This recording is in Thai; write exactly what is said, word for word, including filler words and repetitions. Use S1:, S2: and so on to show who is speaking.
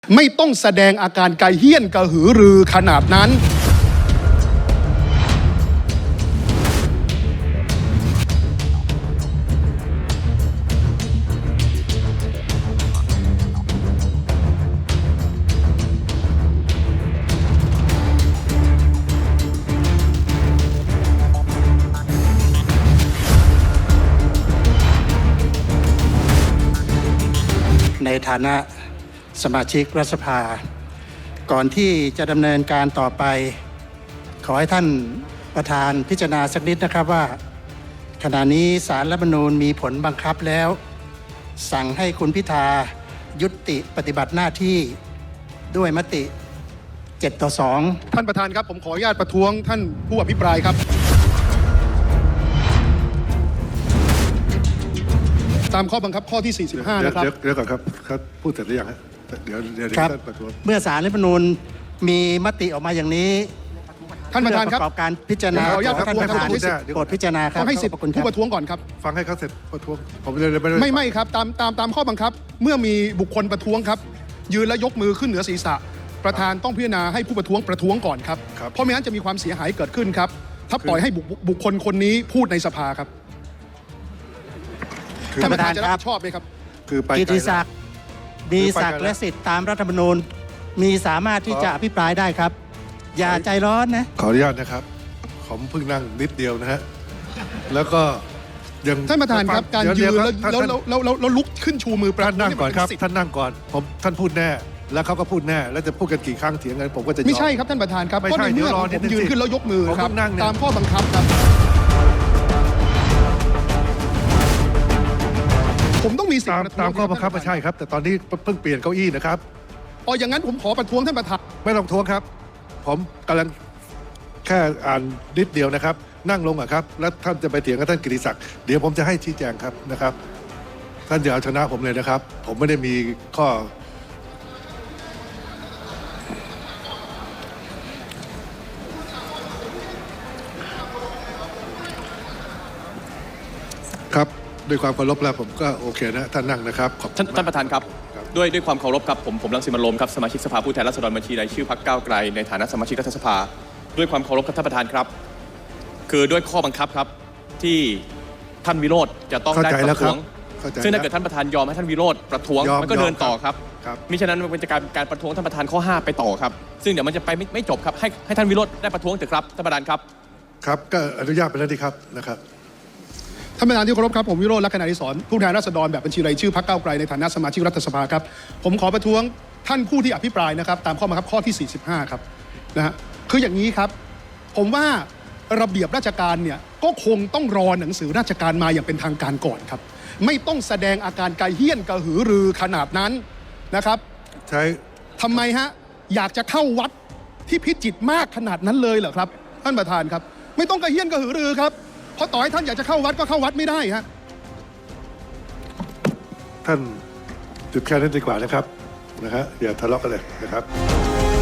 S1: ไม่ต้องแสดงอาการไกเฮี้ยนกระหือรือขนาดนั้น
S2: ในฐานะสมาชิกรัฐสภาก่อนที่จะดำเนินการต่อไปขอให้ท่านประธานพิจารณาสักนิดนะครับว่าขณะนี้ศาลรัฐธรรมนูญมีผลบังคับแล้วสั่งให้คุณพิธายุติปฏิบัติหน้าที่ด้วยมติเจ็ดต่อสอง
S1: ท่านประธานครับผมขออนุญาตประท้วงท่านผู้อภิปรายครับตามข้อบังคับข้อที่สี่สิบห้านะครับ
S3: เดี๋ยวเดี๋ยวก่อนครับครับพูดเสร็จหรือยังฮะเดี๋ยวเดี๋ยวท่านประท้วง
S2: เมื่อศาลรัฐธรรมนูญมีมติออกมาอย่างนี้
S1: ท่านประธานครับ
S2: ประกอบการพิจารณา
S1: ขออนุญาตประท้วง
S2: ท่านประธานโปรดพิจารณาครับ
S1: ต้องให้สิทธิ์ผู้ประท้วงก่อนครับ
S3: ฟังให้เขาเสร็จประท้วงผมเลยไม่
S1: ไม่ไม่ครับตามตามตามข้อบังคับเมื่อมีบุคคลประท้วงครับยืนและยกมือขึ้นเหนือศีรษะประธานต้องพิจารณาให้ผู้ประท้วงประท้วงก่อนครับเพราะไม่งั้นจะมีความเสียหายเกิดขึ้นครับถ้าปล่อยให้บุคคลคนนี้พูดในสภาครับท่านประธานจะรับผิดชอบไหมครับ
S3: คือไป
S2: กิติศักดิ์มีศักดิ์และสิทธิ์ตามรัฐธรรมนูญมีสามารถที่จะอภิปรายได้ครับอย่าใจร้อนนะ
S3: ขออนุญาตนะครับผมเพิ่งนั่งนิดเดียวนะฮะแล้วก็ยัง
S1: ท่านประธานครับการยืนแล้วแล้วแล้วแล้วลุกขึ้นชูมือประ
S3: ธานนั่งก่อนครับท่านนั่งก่อนผมท่านพูดแน่แล้วเขาก็พูดแน่แล้วจะพูดกันกี่ครั้งเถียงกันผมก็จะ
S1: ไม่ใช่ครับท่านประธานครับ
S3: ไม่ใช่
S1: เมื่อผมยืนขึ้นแล้วยกมือครับตามข้อบังคับครับผมต้องมีสิทธิ์
S3: ตามข้อบังคับไม่ใช่ครับแต่ตอนนี้เพิ่งเปลี่ยนเก้าอี้นะครับ
S1: อ๋ออย่างนั้นผมขอประท้วงท่านประธาน
S3: ไม่ต้องท้วงครับผมกำลังแค่อ่านนิดเดียวนะครับนั่งลงอ่ะครับแล้วท่านจะไปเถียงกับท่านกิติศักดิ์เดี๋ยวผมจะให้ชี้แจงครับนะครับท่านอย่าเอาชนะผมเลยนะครับผมไม่ได้มีข้อครับด้วยความเคารพแล้วผมก็โอเคนะท่านนั่งนะครับ
S4: ท่านท่านประธานครับด้วยด้วยความเคารพครับผมผมรังสิมันต์โรมครับสมาชิกสภาผู้แทนราษฎรบัญชีรายชื่อพรรคก้าวไกลในฐานะสมาชิกรัฐสภาด้วยความเคารพครับท่านประธานครับคือด้วยข้อบังคับครับที่ท่านวิโรจน์จะต้องได้ประท้วงซึ่งถ้าเกิดท่านประธานยอมให้ท่านวิโรจน์ประท้วงมันก็เดินต่อครับมิฉะนั้นมันจะกลายเป็นการประท้วงท่านประธานข้อห้าไปต่อครับซึ่งเดี๋ยวมันจะไปไม่ไม่จบครับให้ให้ท่านวิโรจน์ได้ประท้วงเถอะครับท่านประธานครับ
S3: ครับก็อนุญาตไปแล้วดีครับนะครับ
S1: ท่านประธานที่เคารพครับผมวิโรจน์ ลักษณะอดิศรผู้แทนราษฎรแบบบัญชีรายชื่อพรรคก้าวไกลในฐานะสมาชิกรัฐสภาครับผมขอประท้วงท่านผู้ที่อภิปรายนะครับตามข้อบังคับข้อที่สี่สิบห้าครับนะฮะคืออย่างนี้ครับผมว่าระเบียบราชการเนี่ยก็คงต้องรอหนังสือราชการมาอย่างเป็นทางการก่อนครับไม่ต้องแสดงอาการไกเฮี้ยนกระหือรือขนาดนั้นนะครับ
S3: ใช่
S1: ทำไมฮะอยากจะเข้าวัดที่พิจิตรมากขนาดนั้นเลยเหรอครับท่านประธานครับไม่ต้องกระเฮี้ยนกระหือรือครับเพราะต่อให้ท่านอยากจะเข้าวัดก็เข้าวัดไม่ได้ฮะ
S3: ท่านจุดแค่นั้นดีกว่านะครับนะฮะอย่าทะเลาะกันเลยนะครับ